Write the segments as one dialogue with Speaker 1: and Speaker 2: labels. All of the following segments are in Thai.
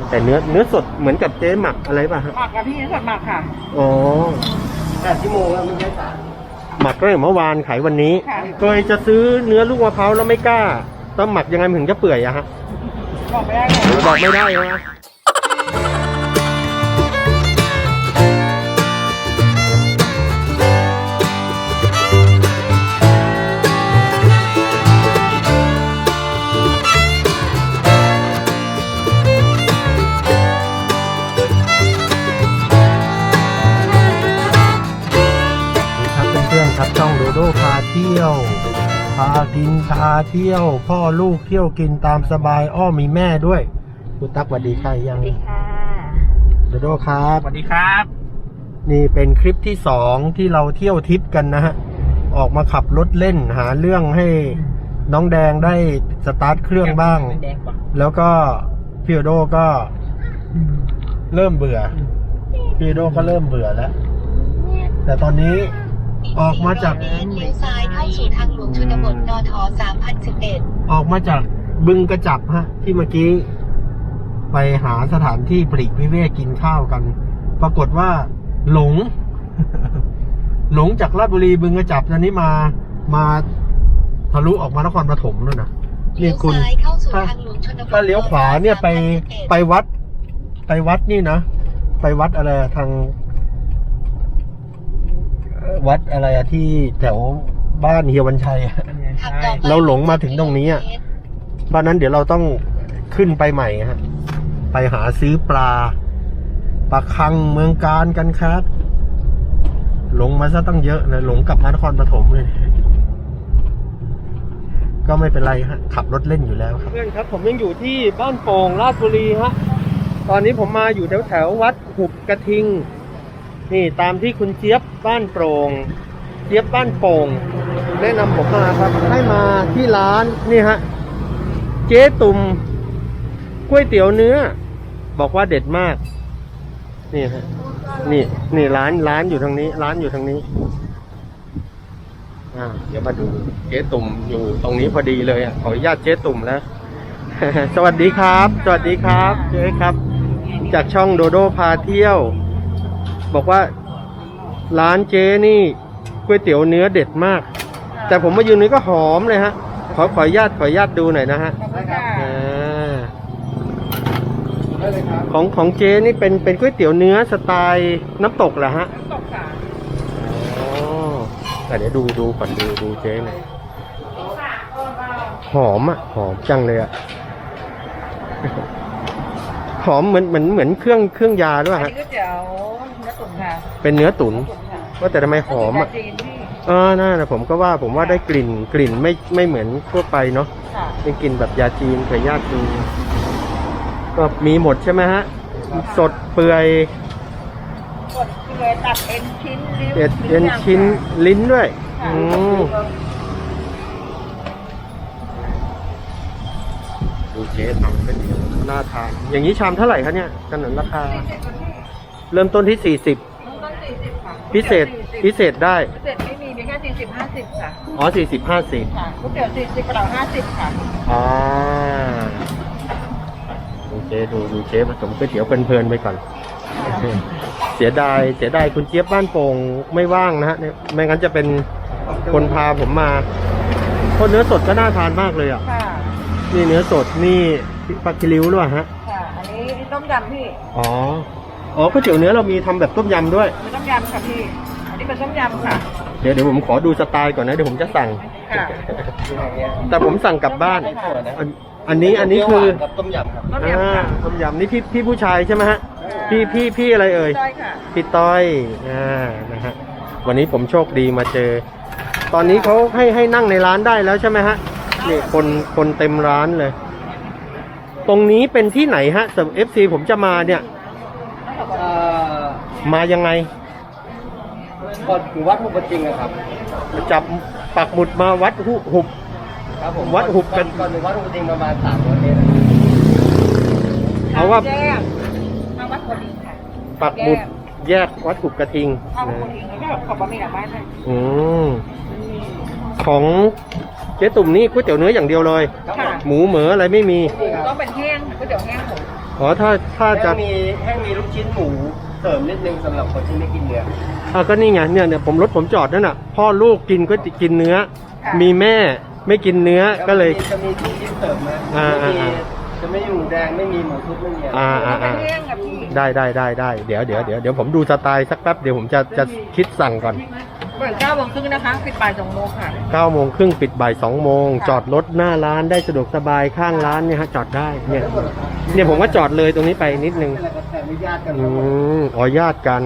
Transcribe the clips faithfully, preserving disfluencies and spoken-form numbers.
Speaker 1: แต่เนื้อเนื้อสดเหมือนกับเจ๊หมักอะไรป่ะฮะ
Speaker 2: หมักกับพี่เนื้อสดหมักค่ะ
Speaker 1: อ๋อ
Speaker 3: แปดชั่วโมงแล้วไม่ใช่สาม
Speaker 1: หมักตั้งแต่เมื่อวานขายวันนี้เคยจะซื้อเนื้อลูกมะพร้าวแล้วไม่กล้าต้องหมักยังไงถึงจะเปื่อยอะฮะ
Speaker 2: บอกไม่ได้
Speaker 1: บอกไม่ได้นะครับช่องโดโดพาเที่ยวพากินพาเที่ยวพ่อลูกเที่ยวกินตามสบายอ้อมีแม่ด้วยคุณตั๊กสวัสดีค่ะยัง
Speaker 2: สวัสดีค่ะ
Speaker 1: โดโดครับ
Speaker 3: สวัสดีครับ
Speaker 1: นี่เป็นคลิปที่สองที่เราเที่ยวทริปกันนะฮะออกมาขับรถเล่นหาเรื่องให้น้องแดงได้สตาร์ทเครื่องบ้างแล้วก็พี่โดโดก็เริ่มเบื่อพี่โดโดก็เริ่มเบื่อแล้วแต่ตอนนี้ออกมาจาก
Speaker 4: เลี้ยวซ้ายเข้าสู่ทางหลวงชนบทนทสามพันสิบเอ็ด
Speaker 1: ออกมาจากบึงกระจับฮะที่เมื่อกี้ไปหาสถานที่ปลีกวิเวกกินข้าวกันปรากฏว่าหลง หลงจากราชบุรีบึงกระจับตอนนี้มามาทะลุออกมานครปฐมแล้วนะนี่คุณถ้าถ้าเลี้ยวขวาเนี่ยไปไปวัดไปวัดนี่นะไปวัดอะไรทางวัดอะไรอะที่แถวบ้านเฮียวันชัยเราหลงมาถึงตรงนี้อ่ะเพราะนั้นเดี๋ยวเราต้องขึ้นไปใหม่ฮะไปหาซื้อปลาปลาคังเมืองการกันครับหลงมาซะตั้งเยอะนะหลงกลับมานครปฐมเลยก็ไม่เป็นไรฮะขับรถเล่นอยู่แล้วครับเพื่อนครับผมยังอยู่ที่บ้านโป่งราชบุรีฮะตอนนี้ผมมาอยู่แถวแถววัดหุบกระทิงนี่ตามที่คุณเจี๊ยบบ้านโปร่งเจี๊ยบบ้านโป่งแนะนำผมมาครับให้มาที่ร้านนี่ฮะเจ๊ตุ่มก๋วยเตี๋ยวเนื้อบอกว่าเด็ดมากนี่ฮะนี่นี่ร้านร้านอยู่ทางนี้ร้านอยู่ทางนี้อ่าเดี๋ยวมาดูเจ๊ตุ่มอยู่ตรงนี้พอดีเลยอ่ะขออนุญาตเจ๊ตุ่มแล้ว สวัสดีครับสวัสดีครับเจ๊ครับจากช่องโดโดพาเที่ยวบอกว่าร้านเจ๊นี่ก๋วยเตี๋ยวเนื้อเด็ดมากแต่ผมมายืนนี้ก็หอมเลยฮะขอขออนุญาตขออนุญาตดูหน่อยนะฮะของของเจ๊นี่เป็นเป็นก๋วยเตี๋ยวเนื้อสไตล์น้ำตกเหรอฮะน้ำตกค่ะอ๋อแต่เดี๋ยวดูดูก่อนดูดูเจ๊หน่อยหอมอ่ะหอมจังเลยอ่ะหอมเหมือนเหมือนเหมือนเครื่องเครื่องยาด้วยฮะเป็นเนื้อตุ๋นว่าแต่ทำไมหอมอ่ะเออน่านะผมก็ว่าผมว่าได้กลิ่นกลิ่นไม่ไม่เหมือนทั่วไปเนาะเป็นกลิ่นแบบยาจีนเคยญาติดูก็มีหมดใช่ไหมฮะสดเปื่อย
Speaker 2: สดเปื่อยตัดเอ็นชิ้น
Speaker 1: เอ็นเอ็นชิ้นลิ้นด้วยอืมดูเจ๊ทำเป็นน่าทานอย่างนี้ชามเท่าไหร่คะเนี่ยกันหนังราคาเริ่มต้นที่สี่สิบพิเศษพิเศษได้
Speaker 2: พิเศษไม่มีมีแค่สี่สิบห้าสิบค่ะ
Speaker 1: อ๋อสี่สิบห้าสิบ
Speaker 2: ค่ะก๋วยเตี๋ยวสี่สิบกระเป๋าห้าสิบค่ะ
Speaker 1: อ๋อดูเจ๊ดูดูเจ๊ผสมก๋วยเตี๋ยวเพลินๆไปก่อนเสียดายเสียดายคุณเจี๊ยบบ้านโป่งไม่ว่างนะฮะไม่งั้นจะเป็นคนพาผมมาเพราะเนื้อสดก็น่าทานมากเลยอ่ะนี่เนื้อสดนี่ปลาคิริ้วด้วยฮะ
Speaker 2: ค่ะอันนี้ต้มยำพี่
Speaker 1: อ๋ออ๋อก๋วยเตี๋ยวเนื้อเรามีทำแบบต้มยำด้วย
Speaker 2: มีต้มยำค่ะพี่อันนี้เป็นต้มยำค่ะ
Speaker 1: เดี๋ยวเดี๋ยวผมขอดูสไตล์ก่อนนะเดี๋ยวผมจะสั่งแต่ผมสั่งกลับบ้านอันนี้อันนี้คือ
Speaker 3: ต้มยำครับ
Speaker 1: ต้มยำนี่พี่พี่ผู้ชายใช่ไหมฮะพี่พี่พี่อะไรเอ่ยพี่ต้อยอ่านะฮะวันนี้ผมโชคดีมาเจอตอนนี้เขาให้ให้นั่งในร้านได้แล้วใช่ไหมฮะนี่คนคนเต็มร้านเลยตรงนี้เป็นที่ไหนฮะสำหรับ เอฟ ซี ผมจะมาเนี่ยมายังไง
Speaker 3: ก็อยู่วัดหุบกระทิงนะครับ
Speaker 1: จับปักหมุดมาวัดหุบหุบ
Speaker 3: ครับผม
Speaker 1: วัดหุบกัน
Speaker 3: ก่อนถึงวัดหุบกระทิงประมาณสามร้อยเมตร
Speaker 1: เอาว่า
Speaker 2: วัดหุบกระทิงค่ะ
Speaker 1: ปักหมุดแยกวัดหุบกระทิง
Speaker 2: เอาหุบกระทิงแล้วก็ขอบบะหมี่หลังบ้านเลย
Speaker 1: อืมของเจ๊ตุ่มนี่ก๋วยเตี๋ยวเนื้ออย่างเดียวเลยหมูเหมืออะไรไม่มี
Speaker 2: ต้องเป็นแห้งก๋วยเตี๋ยวแห้งผม
Speaker 1: อ๋อถ้าถ้า
Speaker 3: แห้
Speaker 1: จะ
Speaker 3: งมีแห้งมีลูกชิ้นหมูเสริมนิดนึงสำหรับคนที่ไม่กินเนื้อ
Speaker 1: อ่าก็นี่ไงเนี่ยเนี่ยผมรถผมจอดนั่นน่ะพ่อลูกกินก็จะกินเนื้อ มีแม่ไม่กินเนื้อก็เลย
Speaker 3: จะมีลูกชิ้นเสริมนะ
Speaker 1: อ่า
Speaker 3: ไม่มี
Speaker 1: อ่า
Speaker 3: จะไม่มีหมูแดงไม่มีหมูทุบไม่มีอะไร
Speaker 1: อ่าอ่าอ่า
Speaker 2: เรื่องกับพี่
Speaker 1: ได้ได้ได้ได้เดี๋ยวเดี๋ยวเดี๋ยวเดี๋ยวผมดูสไตล์สักแป๊บเดี๋ยวผมจะจะคิดสั่งก่อน
Speaker 2: เปิดเก้าโมงครึ่งนะคะปิดบ่ายสองโมงค่ะ
Speaker 1: เก้าโมงครึ่งปิดบ่ายสองโมง
Speaker 2: ค่ะ
Speaker 1: จอดรถหน้าร้านได้สะดวกสบายข้างร้านเนี่ยฮะจอดได้เนี่ยเนี่ยผมก็จอดเลยตรงนี้ไปนิดนึง
Speaker 3: เป็นอะไรกันแต่ไม่ญาติกัน
Speaker 1: อืมอ๋อญาติกัน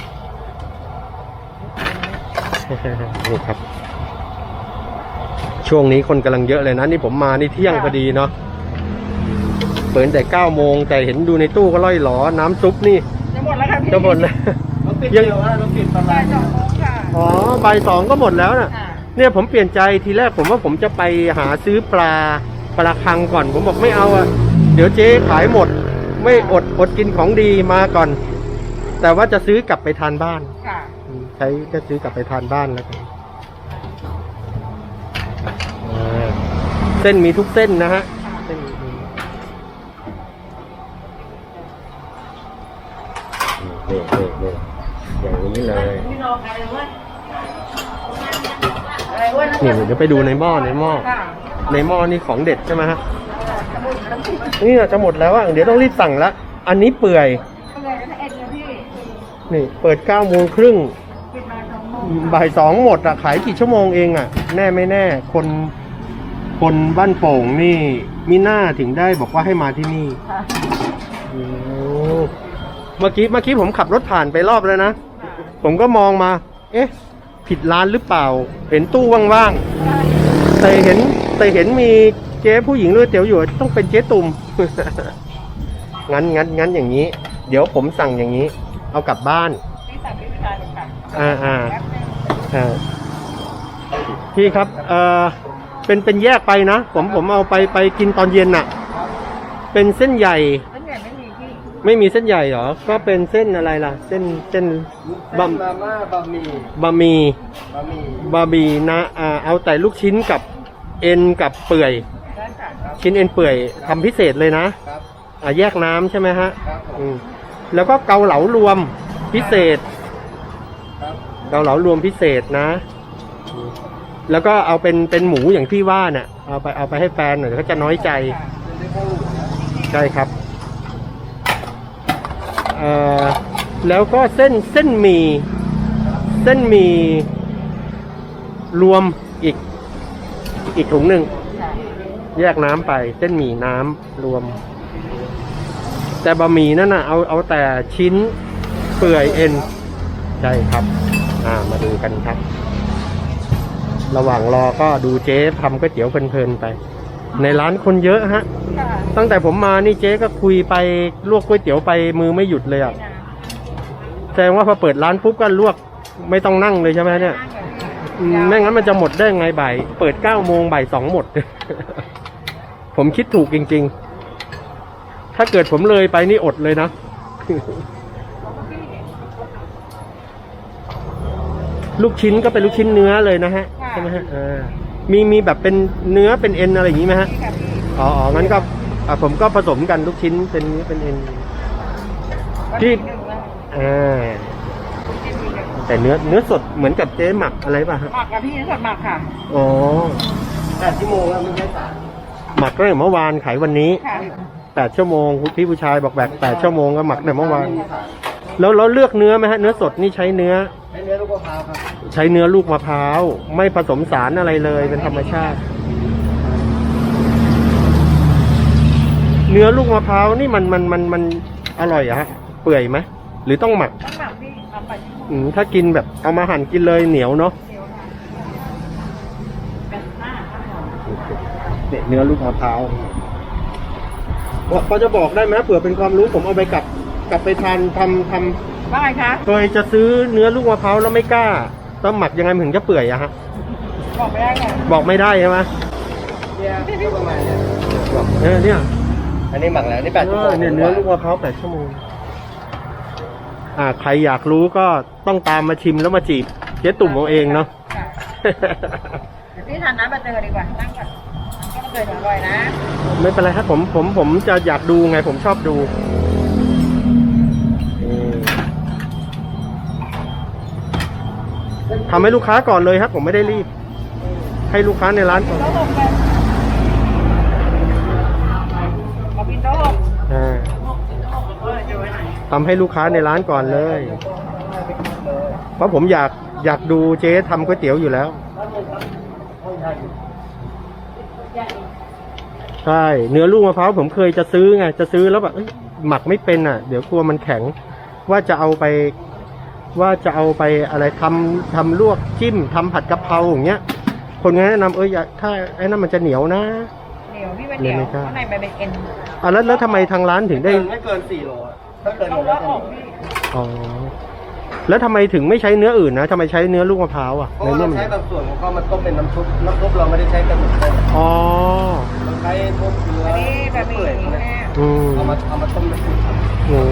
Speaker 1: นี่ครับ ช่วงนี้คนกำลังเยอะเลยนะนี่ผมมานี่เที่ยงพอดีเนาะเปิดแต่เก้าโมงแต่เห็นดูในตู้ก็ล่อยหลอน้ำซุปนี่
Speaker 2: จะหมดแล้วค่ะพี่
Speaker 1: จะหมดแล้ว
Speaker 3: เราปิด
Speaker 1: ยัง
Speaker 3: เดียวนะเราปิดประมา
Speaker 2: บ่า
Speaker 3: ณ
Speaker 2: ยสองโมงค่ะ
Speaker 1: อ๋อบ่ายสองก็หมดแล้วน่ะ
Speaker 2: ค่ะ
Speaker 1: เนี่ยผมเปลี่ยนใจทีแรกผมว่าผมจะไปหาซื้อปลาปลาคังก่อน ผมบอกไม่เอาอะเดี๋ยวเจ๊ขายหมด ไม่อดอดกินของดีมาก่อน แต่ว่าจะซื้อกลับไปทานบ้าน
Speaker 2: ค่ะ
Speaker 1: อืมใช้ก็ซื้อกลับไปทานบ้านแล้วกันอ่าเส้นมีทุกเส้นนะฮะเส้นมีนี่นี่นี่อย่างนี้เลย
Speaker 2: พี่น้องอะไรวะอะไรวะ
Speaker 1: นี่เดี๋ยวไปดูในหม้อในหม้อ
Speaker 2: ค่ะ
Speaker 1: ในหม้อนี่ของเด็ดใช่ไหมฮะนี่จะหมดแล้วอ่ะเดี๋ยวต้องรีบสั่งละอันนี้เปื่อย
Speaker 2: ก็เลยนะเอ็ดนะพี่
Speaker 1: นี่เปิดเก้าโมงครึ่ง
Speaker 2: ปิดบ่ายสองโมง
Speaker 1: บ่ายสองหมดอ่ะขายกี่ชั่วโมงเองอ่ะ แน่ไม่แน่ คนคนบ้านโป่งนี่มีหน้าถึงได้บอกว่าให้มาที่นี่
Speaker 2: ค่ะ
Speaker 1: โอ้เมื่อกี้เมื่อกี้ผมขับรถผ่านไปรอบแล้วนะ ผมก็มองมา เอ๊ะ ผิดร้านหรือเปล่า เห็นตู้ว่างๆ แต่เห็นแต่เห็นมีเจ๊ผู้หญิงด้วยเตี๋ยวอยู่ต้องเป็นเจ๊ตุ่ม งั้นงั้นงั้นอย่างนี้ เดี๋ยวผมสั่งอย่างนี้ เอากลับบ้าน
Speaker 2: พี่สั่งพี่พิธาเลยค่ะ
Speaker 1: อ่าอ่า
Speaker 2: แป๊บนึง
Speaker 1: อ่าพี่ครับ เอ่อ เป็นเป็นแยกไปนะ ผมผมเอาไปไปกินตอนเย็นน่ะ เป็นเส้นใหญ่
Speaker 2: แล้วเนี่ยไม่มีพี่
Speaker 1: ไม่มีเส้นใหญ่เหรอ ก็เป็นเส้นอะไรล่ะ เส้นเส้นบะ
Speaker 3: มาม่าบะหมี่
Speaker 1: บะหมี่
Speaker 3: บะหมี่
Speaker 1: บะหมี่นะ อ่า เอาแต่ลูกชิ้นกับเอ็นกับเปื่อย
Speaker 2: ได้ค่ะ
Speaker 1: ชิ้นเอ็นเปื่อยทำพิเศษเลยนะครับ อ่าแยกน้ำใช่ไหมฮะ
Speaker 3: ครับผม
Speaker 1: อืมแล้วก็เกาเหลารวมพิเศษ
Speaker 3: ครับ
Speaker 1: เกาเหลารวมพิเศษนะ แล้วก็เอาเป็นเป็นหมูอย่างที่ว่าเนี่ยเอาไปเอาไปให้แฟนหน่อยเดี๋ยวเขาจะน้อยใจ
Speaker 3: เป็นได้ข้าวหมูนะ
Speaker 1: ใช่ครับเอ่อแล้วก็เส้นเส้นหมี่เส้นหมี่รวมอีกอีกถุงหนึ่ง
Speaker 2: ค่ะ
Speaker 1: แยกน้ำไปเส้นหมี่น้ำรวม แต่บะหมี่นั่นน่ะเอาเอาแต่ชิ้นเปื่อยเอ็นใช่ครับ อ่ามาดูกันครับ ระหว่างรอก็ดูเจ๊ทำก๋วยเตี๋ยวเพลินๆไป ในร้านคนเยอะฮะ
Speaker 2: ค่ะ
Speaker 1: ตั้งแต่ผมมานี่เจ๊ก็คุยไปลวกก๋วยเตี๋ยวไปมือไม่หยุดเลยอ่ะ
Speaker 2: นะ
Speaker 1: แสดงว่าพอเปิดร้านปุ๊บก็ลวกไม่ต้องนั่งเลยใช่ไหมเนี่ย
Speaker 2: นั่งกับพี่
Speaker 1: อืมไม่งั้นมันจะหมดได้ไงบ่ายเปิดเก้าโมงบ่ายสองหมด ผมคิดถูกจริงๆ ถ้าเกิดผมเลยไปนี่อดเลยนะ ลูกชิ้นก็เป็นลูกชิ้นเนื้อเลยนะฮะใช่ไหมฮะอ่ามีมีแบบเป็นเนื้อเป็นเอ็นอะไรอย่างนี้ไหมฮะ
Speaker 2: พี่กับพี่
Speaker 1: อ๋ออ๋องั้นก็อ่ะผมก็ผสมกันลูกชิ้นเป็นเนื้อเป็นเอ็น พี่
Speaker 2: หนึ่งนะ
Speaker 1: อ่า
Speaker 2: กินมีหนึ่ง
Speaker 1: แต่เนื้อเนื้อสดเหมือนกับเจ๊หมักอะไรป่ะฮะ
Speaker 2: หมักกับพี่สดหมักค่ะ
Speaker 1: อ๋อ
Speaker 3: แปดชั่วโมงแล้วไม่ใช่สาม
Speaker 1: หมักตั้งแต่เมื่อวานขายวันนี้
Speaker 2: ค่ะ
Speaker 1: แปดชั่วโมงพี่ผู้ชายบอกแบกแปดชั่วโมงก็หมักแต่เมื่อวาน
Speaker 3: ไมีสาร
Speaker 1: แล้วเราเลือกเนื้อไหมฮะเนื้อสดนี่ใช้เนื้อ
Speaker 3: ใช้เนื้อลูกมะพร้าวครับ
Speaker 1: ใช้เนื้อลูกมะพร้าวไม่ผสมสารอะไรเลยเป็นธรรมชาติ เนื้อลูกมะพร้าวนี่มันมันมันมันอร่อยอะฮะเปื่อยไหมหรือต้องหมัก
Speaker 2: ต้องหมักพี่เอาไปที่
Speaker 1: อืมถ้ากินแบบเอามาหั่นกินเลยเหนียวเนาะ
Speaker 2: เดียวค่ะเป็นหน้าครับผม
Speaker 1: เนี่ยเนื้อลูกมะพร้าวพอจะบอกได้ไหมเผื่อเป็นความรู้ผมเอาไปกลับกลับไปทานทำทำ
Speaker 2: ว่าไงคะ
Speaker 1: เคยจะซื้อเนื้อลูกมะพร้าวแล้วไม่กล้าต้องหมักยังไงมันถึงจะเปื่อยอะฮะ
Speaker 2: บอกไม่ได้ไง
Speaker 1: บอกไม่ได้ใช่ไหม
Speaker 3: เนี่ยก็ประมาณเนี้ย
Speaker 1: บอกเออเนี่ย
Speaker 3: อันนี้หมักแล้วนี่แปด
Speaker 1: เอ
Speaker 3: ชั่วโม
Speaker 1: อง เนี่ยเนื้อลูกมะพร้าวแปดชั่วโมงอ่าใครอยากรู้ก็ต้องตามมาชิมแล้วมาจีบเจ๊ตุ่มเอาเองเนาะ
Speaker 2: ค่ะเดี๋ยวพี่ทานน้ำใบเตยดีกว่านั่งก่อนเคยอร่อยนะ
Speaker 1: ไม่เป็นไรครับผมผมผมจะอยากดูไงผมชอบดูทำให้ลูกค้าก่อนเลยครับ ผมไม่ได้รีบ ให้ลูกค้าในร้านก่อน
Speaker 2: โต๊ะหกไปขอกินโต๊ะหก
Speaker 1: อ่าทำให้ลูกค้าในร้านก่อนเลย เพราะผมอยากอยากดูเจ๊ทำก๋วยเตี๋ยวอยู่แล้วใช่เนื้อลูกมะพร้าวผมเคยจะซื้อไงจะซื้อแล้วแบบเอ้ยหมักไม่เป็นอ่ะ เดี๋ยวกลัวมันแข็ง ว่าจะเอาไป ว่าจะเอาไปอะไรทำทำลวกจิ้มทำผัดกะเพราอย่างเงี้ย คนงานแนะนำเอ้ยอย่าถ้าไอ้นั่นมันจะเหนียวนะ
Speaker 2: เหนียวพี่เป็นเหนียว
Speaker 1: เลยไม่กล้า
Speaker 2: ข้างในมันเป็นเอ็น
Speaker 1: อ่ะแล้วแล้วทำไมทางร้านถึงได้
Speaker 3: ไม่เกินสี่โลอะถ้าเกิน
Speaker 2: ต้อง
Speaker 3: แล้
Speaker 2: เลาะ
Speaker 3: ว
Speaker 2: ออกพี่
Speaker 1: อ๋อแล้วทำไมถึงไม่ใช้เนื้ออื่นนะทำไมใช้เนื้อลูกมะพร้าวอ่ะ
Speaker 3: เพราะ
Speaker 1: ใน
Speaker 3: ว่า
Speaker 1: เมื่
Speaker 3: เรา
Speaker 1: อมัน
Speaker 3: ใช้บางส่วนของเขามันต้มเป็นน้ำซุปน้ำซุปเราไม่ได้ใช้กันหมดเลย
Speaker 1: อ๋อ
Speaker 3: เราใช้พวกเนื้อ
Speaker 2: อันนี้แบบมี
Speaker 3: เปื่อยพวก
Speaker 2: แม่
Speaker 3: เนี้ย
Speaker 1: อืม
Speaker 3: เอามาเอามาต้มน้ำซุปครับ
Speaker 1: โอ้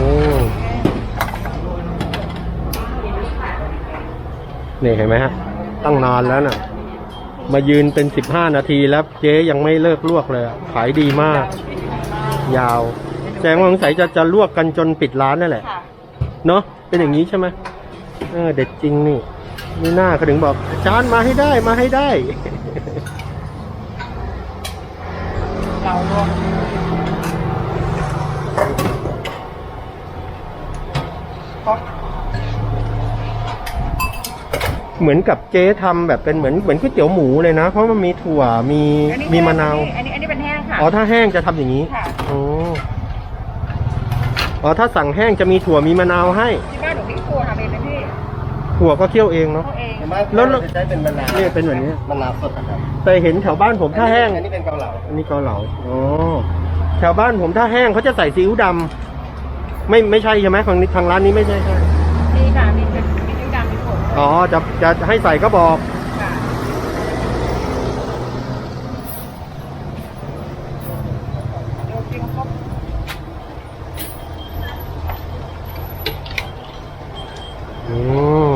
Speaker 1: นี่เห็นไหมฮะตั้งนานแล้วน่ะ มายืนเป็นสิบห้านาทีแล้วเจ๊ยังไม่เลิกลวกเลยอะขายดีมาก ยาวแสดงว่าสงสัยจะจะลวกกันจนปิดร้านนั่นแหละ
Speaker 2: ค่ะ
Speaker 1: เนาะเป็นอย่างนี้ใช่ไหมเออเด็ดจริงนี่นี่หน้าเขาถึงบอกอาจารย์มาให้ได้มาให้ได้
Speaker 2: เราลวก
Speaker 1: เหมือนกับเจ๊ทำแบบเป็นเหมือนเหมือนก๋วยเตี๋ยวหมูเลยนะ เพราะมันมีถั่วมี
Speaker 2: อันนี้
Speaker 1: มีมะนาว
Speaker 2: อันนี้อันนี้เป็นแห้งค่ะ
Speaker 1: อ๋อถ้าแห้งจะทำอย่างนี้
Speaker 2: ค่ะ
Speaker 1: อ๋ออ๋อถ้าสั่งแห้งจะมีถั่วมีมะนาวให้
Speaker 2: ที่บ้านหนูพี่ครัวทำเองนะพี่
Speaker 1: ถั่วก็เคี่ยวเองเนาะ
Speaker 2: เขาเอง
Speaker 3: เห็นไหม
Speaker 1: แล้วแล้ว
Speaker 3: เราจะใช้เป็นมะนาว
Speaker 1: เนี่ยเป็นแบบนี้
Speaker 3: มะนาวสดนะครับ
Speaker 1: แต่เห็นแถวบ้านผมถ้าแห้ง
Speaker 3: อันนี้เป็นเกาเหลา
Speaker 1: อันนี้เกาเหลาอ๋อแถวบ้านผมถ้าแห้งเขาจะใส่ซีอิ๊วดำไม่ไม่ใช่ใช่ไหมของทางร้านนี้ไม่ใช่ใช่
Speaker 2: มีค่ะมีเป็นมีนิ้วดำมีผง
Speaker 1: อ๋อจะจะให้ใส่ก็บอก
Speaker 2: ค่ะโยกจิ้มครบ
Speaker 1: อืม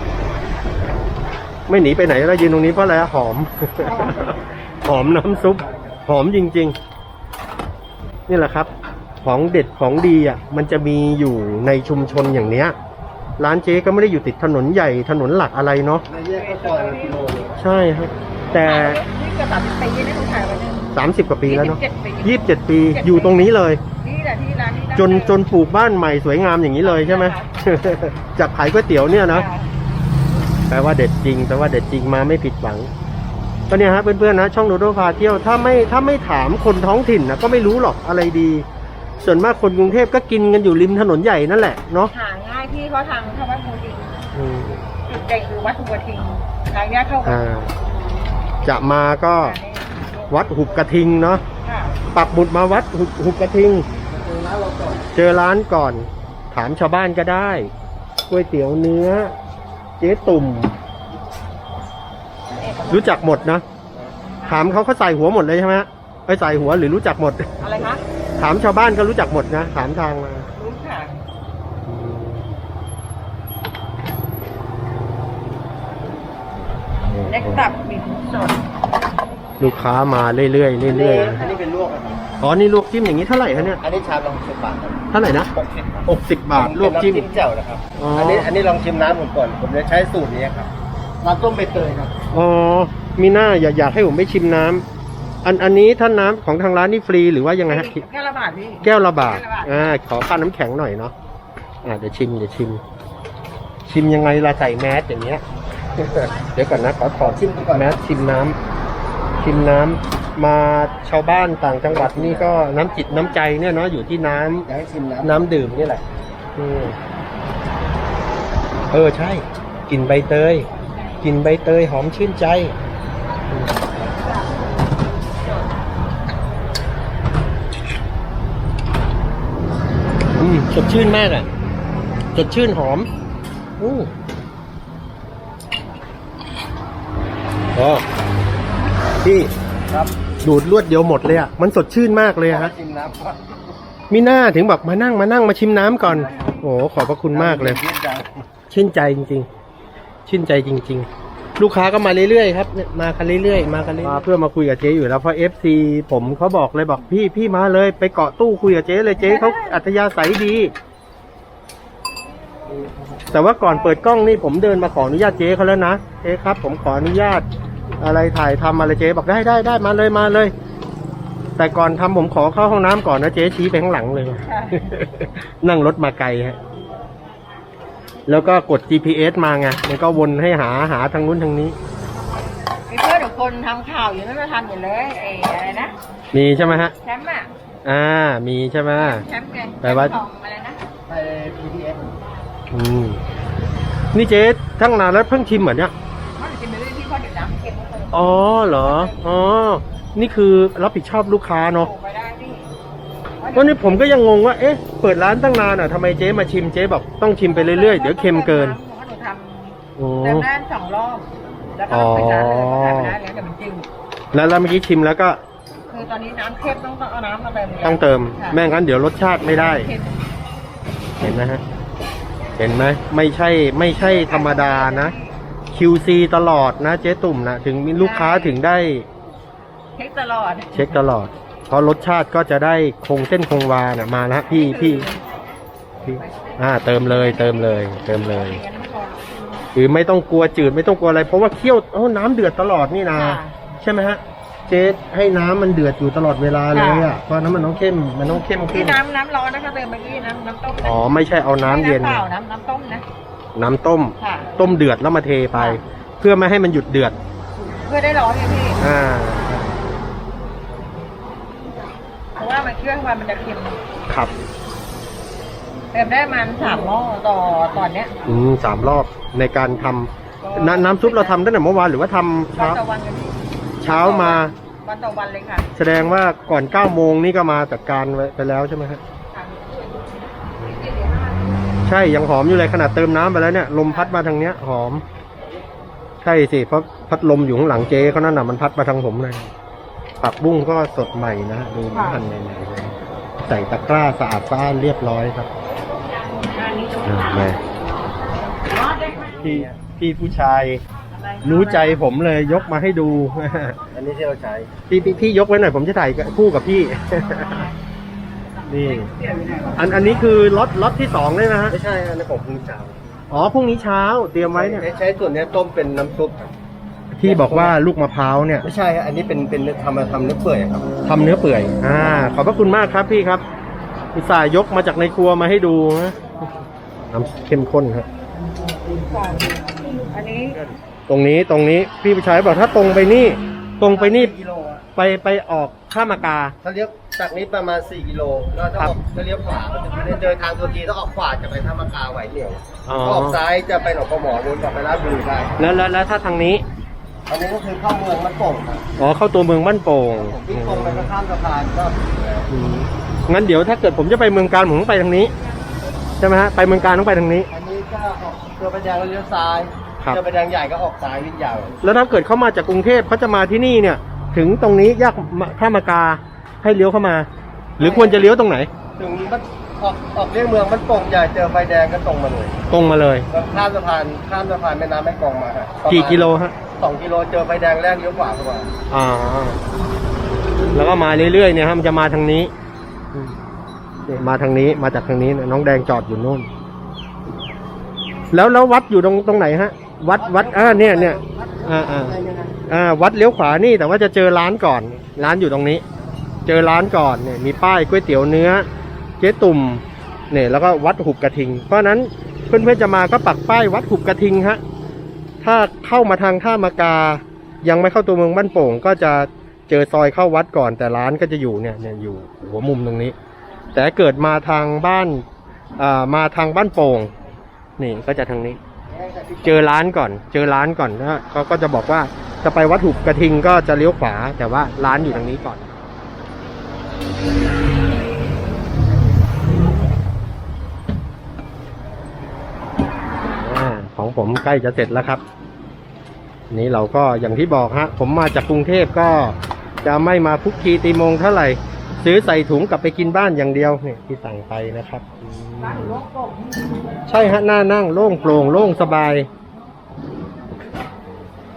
Speaker 1: ไม่หนีไปไหนแล้วยืนตรงนี้เพราะอะไรอะหอม หอมน้ำซุป หอมจริงๆ นี่แหละครับ ของเด็ดของดีอ่ะ มันจะมีอยู่ในชุมชนอย่างเนี้ย ร้านเจ๊ก็ไม่ได้อยู่ติดถนนใหญ่ถนนหลักอะไรเนาะ
Speaker 3: ในแยกก็ซอยละกิโลนึง
Speaker 1: ใช่ครับ แต่
Speaker 2: นี่เกือบสามสิบปีนะหนูถ่ายไว้เนี่ย
Speaker 1: สามสิบกว่าปีแล้วเนาะ
Speaker 2: ยี่
Speaker 1: ยี่
Speaker 2: สิ
Speaker 1: สิ
Speaker 2: บบ เจ็
Speaker 1: เจ็
Speaker 2: ด
Speaker 1: ด
Speaker 2: ปี
Speaker 1: ปีอยู่ตรงนี้เลย
Speaker 2: นี่แหละที่ร้านนี้
Speaker 1: จนจนปลูกบ้านใหม่สวยงามอย่างนี้เลยใช่ไหม จากขายก๋วยเตี๋ยวเนี่ยนะ แปลว่าเด็ดจริงแปลว่าเด็ดจริงมาไม่ผิดหวังก็เนี่ยฮะเพื่อนๆนะช่องโดโดพาเที่ยวถ้าไม่ถ้าไม่ถามคนท้องถิ่นนะก็ไม่รู้หรอกอะไรดี ส่วนมากคนกรุงเทพก็กินกันอยู่ริมถนนใหญ่นั่นแหละเนาะ
Speaker 2: หาง่ายพี่เขาทางทางวัดภูทิง
Speaker 1: อืม
Speaker 2: จุดเด่นคือวัดภูทิงทางเนี้ยเข้ากัน
Speaker 1: อ่าจะมาก็วัดหุบกระทิงเนาะ
Speaker 2: ค่ะ
Speaker 1: ปักหมุดมาวัดหุบหุบกระทิง
Speaker 3: ร้านเราก่อน
Speaker 1: เจอร้านก่อน ถามชาวบ้านก็ได้ก๋วยเตี๋ยวเนื้อ เจ๊ตุ่ม รู้จักหมดนะ ถามเขาเขาใส่หัวหมดเลยใช่ไหมไปใส่หัวหรือรู้จักหมด
Speaker 2: อะไรคะ
Speaker 1: ถามชาวบ้านก็รู้จักหมดนะ ถามทางมา
Speaker 2: รู้ค่ะเล็กตับบินสด
Speaker 1: ลูกค้ามาเรื่อยๆเรื่อย
Speaker 3: อันนี้เป็นลวกนะครับ
Speaker 1: ๆอ๋อนี่ลวกจิ้มอย่างนี้เท่าไหร่คะเนี่ย
Speaker 3: อันนี้ชามละหกสิบบาทครับ
Speaker 1: เท่าไหร่นะ
Speaker 3: หกสิบ
Speaker 1: หกสิบบาทลวกจิ้ม
Speaker 3: เป็นน้ำจิ้มแจ่วนะครับ
Speaker 1: อ๋ออั
Speaker 3: อันนี้อันนี้ลองชิมน้ำผมก่อน ผมจะใช้สูตรนี้ครับน้ำต้มใบเตยครับ
Speaker 1: อ๋อมีหน้าอยากอยากให้ผมไปชิมน้ำอันอันนี้ท่านน้ำของทางร้านนี่ฟรีหรือว่ายังไงฮะ
Speaker 2: แค่ละบาทพี่
Speaker 1: แก้วละบาท
Speaker 2: แก้วละบาท
Speaker 1: อ่า ขอค่าน้ำแข็งหน่อยเนาะ อ่า เดี๋ยวชิม เดี๋ยวชิม ชิมยังไงล่ะใส่แมสอย่างเงี้ย เดี๋ยวก่อนนะ ขอถอด
Speaker 3: ชิมก่อน
Speaker 1: แมสชิมน้ำชิมน้ำมาชาวบ้านต่างจังหวัดนี่ก็น้ำจิตน้ำใจเนี่ยเนาะ อยู่ที่น้ำ
Speaker 3: อยากให้ชิมน้ำ
Speaker 1: น้ำดื่มนี่แหละอืมเออ ใช่ กลิ่นใบเตย กลิ่นใบเตยหอมชื่นใจ อืมสดชื่นมากอ่ะ สดชื่นหอมอู้อ๋อพี่
Speaker 3: ครับ
Speaker 1: ดูดรวดเดียวหมดเลยอ่ะ มันสดชื่นมากเลยอะฮะ
Speaker 3: ชิมน้ำก่อน
Speaker 1: มีหน้าถึงแบบมานั่งมานั่งมาชิมน้ำก่อน โอ้ขอบพระคุณมากเลย
Speaker 3: ชื่นใจ
Speaker 1: ชื่นใจจริงๆ ชื่นใจจริง ๆลูกค้าก็มาเรื่อยๆครับเนี่ยมากันเรื่อยๆมากันเรื่อยๆมาเพื่อมาคุยกับเจ๊อยู่แล้วเพราะ เอฟ ซี ผมเขาบอกเลยบอกพี่พี่มาเลยไปเกาะตู้คุยกับเจ๊เลยเจ๊เขาอัธยาศัยดี แต่ว่าก่อนเปิดกล้องนี่ผมเดินมาขออนุญาตเจ๊เขาแล้วนะเจ๊ครับผมขออนุญาตอะไรถ่ายทำอะไรเจ๊บอกได้ได้ได้มาเลยมาเลย แต่ก่อนทำผมขอเข้าห้องน้ำก่อนนะเจ๊ชี้ไปข้างหลังเลย นั่งรถมาไกลฮะแล้วก็กด จี พี เอส มาไงมันก็วนให้หาหาทางนู้นทางนี้
Speaker 2: มีเพื่อนทุกคนทำข่าวอยู่นั่นมาทำอยู่เลยไอ้อะไรนะ
Speaker 1: มีใช่ไหมฮะ
Speaker 2: แชมป์อ่ะ
Speaker 1: อ่ามีใช่ไหม
Speaker 2: แชมป์ไง
Speaker 1: แปลว่า
Speaker 2: ของอะไรนะ
Speaker 3: ไป พี ที เอส
Speaker 1: อืมนี่เจ๊ทั้งนานแล้วเพิ่งชิมเหมือนเนี้ย
Speaker 2: มันจะมีเรื่องที่พ่อเดี๋ยวน้ำเค็มมัน
Speaker 1: อ๋อเหรออ๋อนี่คือรับผิดชอบลูกค้าเนาะ
Speaker 2: โผล่ไปได้พี่
Speaker 1: วันนี้ผมก็ยังงงว่าเอ๊ะเปิดร้านตั้งนานอ่ะทำไมเจ๊มาชิมเจ๊บอกต้องชิมไปเรื่อยๆเดี๋ยวเค็มเกิน
Speaker 2: หนูท
Speaker 1: โอ้
Speaker 2: ำเติมน้ำสองรอบแล้วก็ไปร้านเลยก็ทำไปได้แล้วแต่มันจืด
Speaker 1: แล้วแล้วเมื่อกี้ชิมแล้วก็
Speaker 2: คือตอนนี้น้ำเค็มต้องเอาน้ำมาเติมเลย
Speaker 1: ต้องเติม
Speaker 2: ค่ะ
Speaker 1: ไม่งั้นเดี๋ยวรสชาติไม่ได้
Speaker 2: เค็ม
Speaker 1: เห็นไหมฮะเห็นไหมไม่ใช่ไม่ใช่ธรรมดานะ คิว ซี ตลอดนะเจ๊ตุ่มนะถึงมีลูกค้าถึงได้
Speaker 2: เช็คตลอด
Speaker 1: เช็คตลอด เพราะรสชาติก็จะได้คงเส้นคงวานะมาแล้วพี่พี่พี่อ่าเติมเลยเติมเลย เติมเลยคือไม่ต้องกลัวจืดไม่ต้องกลัวอะไร เพราะว่าเคี่ยวโอ้น้ำเดือดตลอดนี่นะ
Speaker 2: ค่ะ
Speaker 1: ใช่ไหมฮะเจ๊ให้น้ำมันเดือดอยู่ตลอดเวลาเลยอ่ะเพราะน้ำมันต้องเข้มมันต้องเข้มขึ้
Speaker 2: ที่
Speaker 1: น
Speaker 2: น้ำน้ำร้อนนะคะเติมเมื่อกี้น้ำน้ำต้มนะ
Speaker 1: อ๋อไม่ใช่เอาน้ำเย็น
Speaker 2: ไม่ำเปล่าน้ำน้ำต้มนะ
Speaker 1: น้ำต้ม
Speaker 2: ค่ะ
Speaker 1: ต้มเดือดแล้วมาเทไป เพื่อไม่ให้มันหยุดเดือด
Speaker 2: เพื่อได้ร้อนไงพี่
Speaker 1: อ่า
Speaker 2: เพราะว่ามันเครื่องมันมันจะเค็ม
Speaker 1: ครับ
Speaker 2: เติมได้ประมันสามหม้อต่อตอนเนี้ย
Speaker 1: อืมสามรอบในการทำน้ำน้ำซุปเราทำตั้งแต่เมื่อวานหรือว่าทำ
Speaker 2: วัน
Speaker 1: เช้า
Speaker 2: ต่อวันกันพี่
Speaker 1: เช้ามา
Speaker 2: วันต่อวันเลยค่ะ
Speaker 1: แสดงว่าก่อนเก้าโมงนี่ก็มาจัดการไว้ไปแล้วใช่ไหมครับใช่ยังหอมอยู่เลยขนาดเติมน้ำไปแล้วเนี่ยลมพัดมาทางเนี้ยหอม ใช่สิเพราะพัดลมอยู่ข้างหลังเจ๊เขานั่นน่ะมันพัดมาทางผมเลยผักบุ้งก็สดใหม่นะดูหั่นใหม่ๆเลยใส่ตะกร้าสะอาดสะอ้านเรียบร้อยครับอ่ะมาพี่พี่ผู้ชาย รู้ใจผมเลยยกมาให้ดู
Speaker 3: อันนี้ที่เราใช้
Speaker 1: พี่พี่พี่ยกไว้หน่อยผมจะถ่ายคู่กับพี่ นี่ อันอันนี้คือล็อตล็อตที่สองเลยนะฮะ
Speaker 3: ไม่ใช่อันนี้ผมเพิ่งเช้า
Speaker 1: อ๋อพรุ่งนี้เช้าเตรียมไว้เนี่ย
Speaker 3: ใช้ส่วนเนี้ยต้มเป็นน้ำซุปครับ
Speaker 1: ที่บอกว่าลูกมะพร้าวเนี่ย
Speaker 3: ไม่ใช่ฮะอันนี้เป็นเป็นทำมาทำเนื้อเปื่อยครับ
Speaker 1: ทำเนื้อเปื่อย อ่า ขอบพระคุณมากครับพี่ครับอุตส่าห์ยกมาจากในครัวมาให้ดูนะน้ำเข้มข้นครับ
Speaker 2: อันนี้
Speaker 1: ตรงนี้ตรงนี้พี่ผู้ชายบอกถ้าตรงไปนี่ ตรงไปนี่
Speaker 3: กิโลอะ
Speaker 1: ไปไปออกข้ามากา
Speaker 3: ถ้าเลี้ยวจากนี้ประมาณสี่กิโลแล้วถ้าออกถ้าเลี้ยวขวามันจะไม่ได้เดินทางตัวทีต้องออกขวาจะไปท่ามะกาไหวเหนียว
Speaker 1: อ๋อ
Speaker 3: ถ้าออกซ้ายจะไปหนองปลาหมอนู้นกลับไปราชบุรีได้
Speaker 1: แล้วแล้วแล้วถ้าทางนี้
Speaker 3: อันนี้ก็คือเข้าเมืองมันโป่งครับ
Speaker 1: อ๋อเข้าตัวเมืองบ้านโป่ง
Speaker 3: ผมวิ่งตรงไปก็ข้ามสะพานก็ถึงแล้ว
Speaker 1: อืมงั้นเดี๋ยวถ้าเกิดผมจะไปเมืองการผมต้องไปทางนี้ใช่ไหมฮะไปเมืองการต้องไปทางนี้
Speaker 3: อันนี้ก็ออกเจอไปแดงแล้วเลี้ยวซ้าย
Speaker 1: ครับ
Speaker 3: เจอไปแดงใหญ่ก็ออกซ้ายวิ่งยาว
Speaker 1: แล้วถ้าเกิดเขามาจากกรุงเทพเขาจะมาที่นี่เนี่ย ถึงตรงนี้แยกข้ามากาให้เลี้ยวเข้ามา หรือควรจะเลี้ยวตรงไหน
Speaker 3: ถึงมันออกออกเลี่ยงเมืองมันโป่งใหญ่เจอไฟแดงก็ตรงมาเลย
Speaker 1: ตรงมาเลย
Speaker 3: แล้วข้ามสะพานข้ามสะพานแม่น้ำแม่กลองมาฮะประมาณ
Speaker 1: กี่กิโลฮะ
Speaker 3: สองกิโลเจอไฟแดงแรกเลี้ยวขวาเข้ามา
Speaker 1: อ่าแล้วก็มาเรื่อยๆเนี่ยฮะมันจะมาทางนี้อืมเนี่ยมาทางนี้มาจากทางนี้เนี่ยน้องแดงจอดอยู่นู่น แล้วแล้ววัดอยู่ตรงตรงไหนฮะ วัดวัดอ่าเนี่ยเนี่ยอ่าอ่าอ่าวัดเลี้ยวขวานี่แต่ว่าจะเจอร้านก่อน ร้านอยู่ตรงนี้ เจอร้านก่อนเนี่ยมีป้ายก๋วยเตี๋ยวเนื้อเจ๊ตุ่มเนี่ยแล้วก็วัดหุบกระทิง เพราะฉะนั้นเพื่อนๆจะมาก็ปักป้ายวัดหุบกระทิงฮะถ้าเข้ามาทางท่ามากา ยังไม่เข้าตัวเมืองบ้านโป่งก็จะเจอซอยเข้าวัดก่อนแต่ร้านก็จะอยู่เนี่ยเนี่ยอยู่หัวมุมตรงนี้ แต่เกิดมาทางบ้านอ่ามาทางบ้านโป่งนี่ก็จะทางนี้ เจอร้านก่อน เจอร้านก่อนแล้วเขาก็จะบอกว่าจะไปวัดหุบกระทิงก็จะเลี้ยวขวา แต่ว่าร้านอยู่ทางนี้ก่อนอาของผมใกล้จะเสร็จแล้วครับนี้เราก็อย่างที่บอกฮะผมมาจากกรุงเทพก็จะไม่มาพุกคีตีโมงเท่าไหร่ซื้อใส่ถุงกลับไปกินบ้านอย่างเดียวเนี่ยที่สั่งไปนะครับอืมใช่ฮะหน้านั่งโล่งโปร่งโล่งสบาย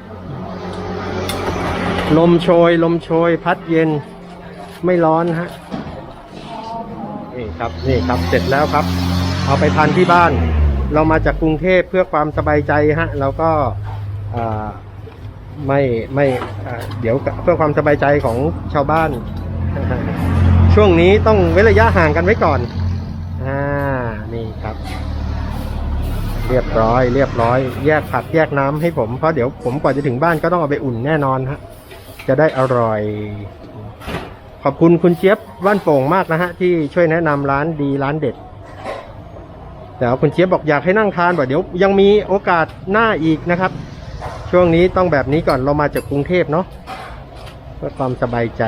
Speaker 1: ลมโชยลมโชยพัดเย็นไม่ร้อนฮะนี่ครับนี่ครับเสร็จแล้วครับ เอาไปทานที่บ้าน เรามาจากกรุงเทพเพื่อความสบายใจฮะเราก็อ่าไม่ไม่อ่าเดี๋ยวเพื่อความสบายใจของชาวบ้าน ช่วงนี้ต้องเว้นระยะห่างกันไว้ก่อนอ่านี่ครับ เรียบร้อยเรียบร้อยแยกผักแยกน้ำให้ผมเพราะเดี๋ยวผมกว่าจะถึงบ้านก็ต้องเอาไปอุ่นแน่นอนฮะจะได้อร่อย ขอบคุณคุณเจี๊ยบบ้านโป่งมากนะฮะที่ช่วยแนะนำร้านดีร้านเด็ดแต่คุณเจี๊ยบบอกอยากให้นั่งทานบ่เดี๋ยวยังมีโอกาสหน้าอีกนะครับช่วงนี้ต้องแบบนี้ก่อนเรามาจากกรุงเทพเนาะเพื่อความสบายใจ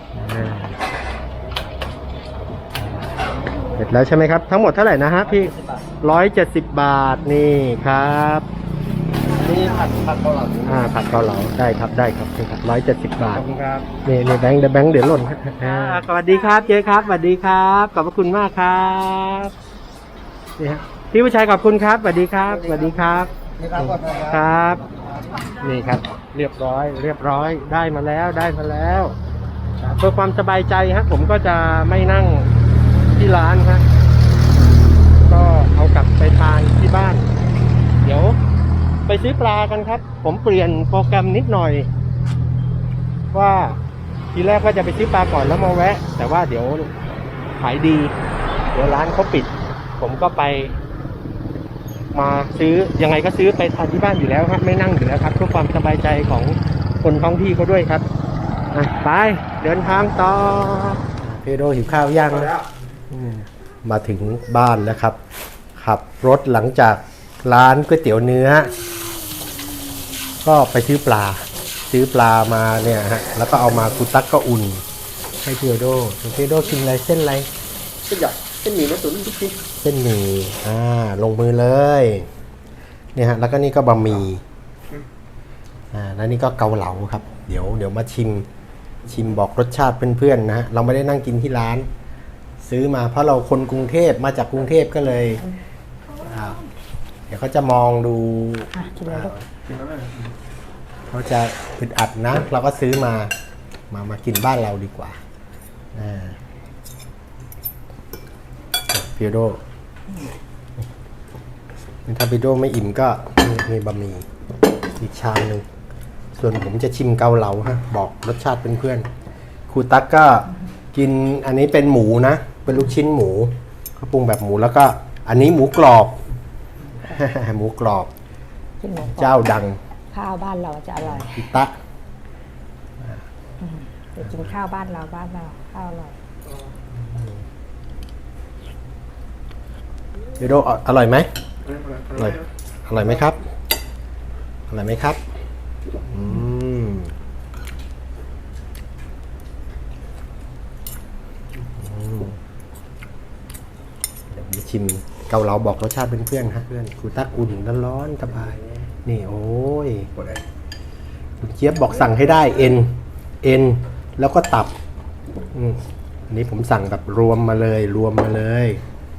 Speaker 1: เสร็จแล้วใช่ไหมครับทั้งหมดเท่าไหร่นะฮะพี่ร้อยเจ็ดสิบบาทนี่ครับ
Speaker 3: นี่ผัดผัดเกาเหลา
Speaker 1: อ่าผัดเกาเหลาได้ครับได้ครับนี่ครับร้อยเจ็ดสิบบาท
Speaker 3: ขอบคุณครับ
Speaker 1: นี่นี่แบงค์แบงค์เดี๋ยวหล่นฮะอ่าสวัสดีครับเจ๊ครับสวัสดีครับขอบพระคุณมากครับนี่ฮะพี่ผู้ชายขอบคุณครับสวัสดีครับสวัสดีครับ
Speaker 3: นี่ครับขอบคุณ
Speaker 1: ค
Speaker 3: ครับ
Speaker 1: รับนี่ครับเรียบร้อยเรียบร้อยได้มาแล้วได้มาแล้วเพื่อความสบายใจฮะผมก็จะไม่นั่งที่ร้านฮะก็เอากลับไปทานที่บ้านเดี๋ยวไปซื้อปลากันครับผมเปลี่ยนโปรแกรมนิดหน่อยว่าทีแรกก็จะไปซื้อปลาก่อนแล้วมาแวะแต่ว่าเดี๋ยวขายดีเดี๋ยวร้านเขาปิดผมก็ไปมาซื้อยังไงก็ซื้อไปทานที่บ้านอยู่แล้วครับไม่นั่งอยู่แล้วครับเพื่อความสบายใจของคนท้องที่เขาด้วยครับอ่ะไปเดินทางต่อเพโดหิวข้าวย่างแล้วมาถึงบ้านแล้วครับขับรถหลังจากร้านก๋วยเตี๋ยวเนื้อก็ไปซื้อปลาซื้อปลามาเนี่ยฮะแล้วก็เอามาคุตักก็อุ่นให้เพโดเพโดกินอะไรเส้นอะไร
Speaker 3: เส้นใหญ่เส้นหมี่เนื้อตุ๋นทุกที
Speaker 1: เส้นหมี่อ่าลงมือเลยเนี่ยฮะแล้วก็นี่ก็บะหมี่อ่าแล้วนี่ก็เกาเหลาครับเดี๋ยวเดี๋ยวมาชิมชิมบอกรสชาติเพื่อนๆนะฮะเราไม่ได้นั่งกินที่ร้านซื้อมาเพราะเราคนกรุงเทพมาจากกรุงเทพก็เลยอ่าเดี๋ยวเขาจะมองดูเขาจะอึดอัดนะเราก็ซื้อมามามากินบ้านเราดีกว่าอ่าพีโดถ้าพีโดไม่อิ่มก็มีบะหมี่อีกชามหนึ่งส่วนผมจะชิมเกาเหลาฮะบอกรสชาติเพื่อนๆครูตั๊กก็กินอันนี้เป็นหมูนะเป็นลูกชิ้นหมูเขาปรุงแบบหมูแล้วก็อันนี้หมูกรอบ หมูกรอบเจ้าดัง
Speaker 2: ข้าวบ้านเราจะอร่อย
Speaker 1: พิตะ
Speaker 2: เดี๋ยวกินข้าวบ้านเราบ้านเราข้าวอร่อย
Speaker 1: พีโดอร่อยไหมอร่อยอร่อยไหมครับอร่อยไหมครับอืมเดี๋ยวมาชิมเกาเหลาบอกรสชาติเพื่อนๆฮะเพื่อนครูตักอุ่นร้อนๆสบายนี่โอ้ยคุณเจี๊ยบบอกสั่งให้ได้เอ็นเอ็นแล้วก็ตับอืมอันนี้ผมสั่งแบบรวมมาเลยรวมมาเลย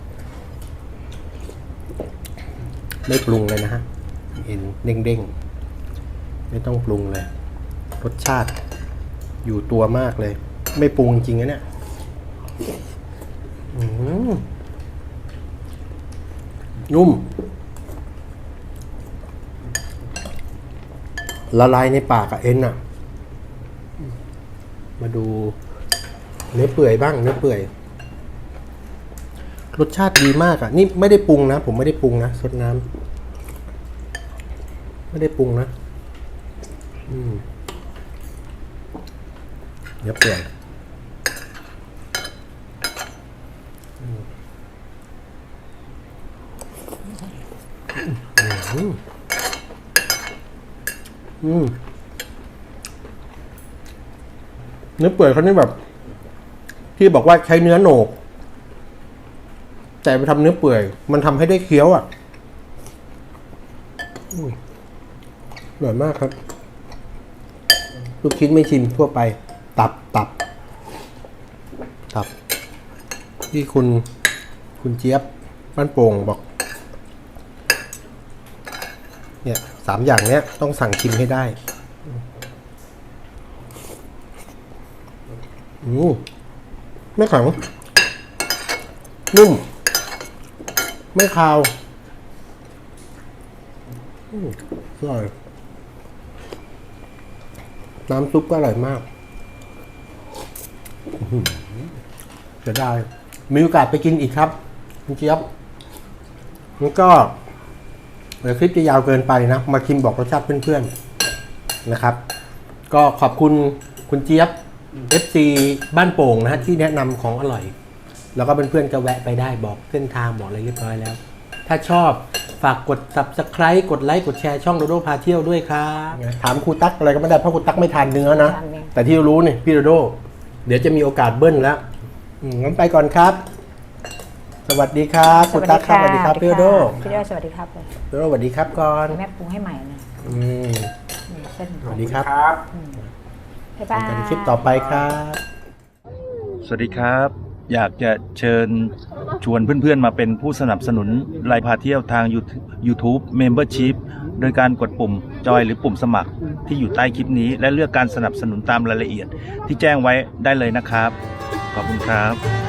Speaker 1: ไม่ปรุงเลยนะฮะเอ็นเด้งๆไม่ต้องปรุงเลยรสชาติอยู่ตัวมากเลยไม่ปรุงจริงนะเนี่ยนุ่มละลายในปากอะเอ็นอะมาดูเนื้อเปื่อยบ้างเนื้อเปื่อยรสชาติดีมากอ่ะนี่ไม่ได้ปรุงนะผมไม่ได้ปรุงนะซดน้ำไม่ได้ปรุงนะอืมเดี๋ยวเปลี่ยนอืมอืมเนื้อเปื่อยเขานี่แบบพี่บอกว่าใช้เนื้อโหนกแต่ไปทำเนื้อเปื่อยมันทำให้ได้เคี้ยวอ่ะอร่อยมากครับลูกชิ้นไม่ชิมทั่วไปตับตับตับที่คุณคุณเจี๊ยบบ้านโป่งบอกเนี่ยสามอย่างเนี้ยต้องสั่งชิมให้ได้อืมไม่แข็งนุ่มไม่คาวอืมอร่อยน้ำซุปก็อร่อยมากอื้อหือเสียดายมีโอกาสไปกินอีกครับคุณเจี๊ยบแล้วก็เดี๋ยวคลิปจะยาวเกินไปนะ มาชิมบอกรสชาติเพื่อนๆนะครับ ก็ขอบคุณคุณเจี๊ยบ เอฟ ซี บ้านโป่งนะฮะที่แนะนำของอร่อย แล้วก็เพื่อนๆก็แวะไปได้บอกเส้นทางบอกอะไรเรียบร้อยแล้ว ถ้าชอบฝากกด ซับสไครบ์ กดไลค์กดแชร์ช่องโดโดพาเที่ยวด้วยครับถามครูตั๊กอะไรก็ไม่ได้เพราะครูตั๊กไม่ทานเนื้อนะ แต่ที่รู้เนี่ยพี่โดโดเดี๋ยวจะมีโอกาสเบิ้ลแล้วอืมงั้นไปก่อนครับ สวัสดีครับครูตั๊กครับสวัสดีครับพี่โดโด
Speaker 2: พี่โดโดสวัสดีครับเลย
Speaker 1: พี่โดโดสวัสดีครับก่อน
Speaker 2: แม่ปรุงให้ใหม่นะ
Speaker 1: อืม
Speaker 2: นี่เส้น
Speaker 1: สวัสดีครับ
Speaker 2: บ๊ายบาย
Speaker 1: กันคลิปต่อไปครับ
Speaker 5: สวัสดีครับ อยากจะเชิญชวนเพื่อนๆมาเป็นผู้สนับสนุนรายพาเที่ยวทาง YouTube Membership โดยการกดปุ่มจอยหรือปุ่มสมัครที่อยู่ใต้คลิปนี้ และเลือกการสนับสนุนตามรายละเอียดที่แจ้งไว้ได้เลยนะครับ ขอบคุณครับ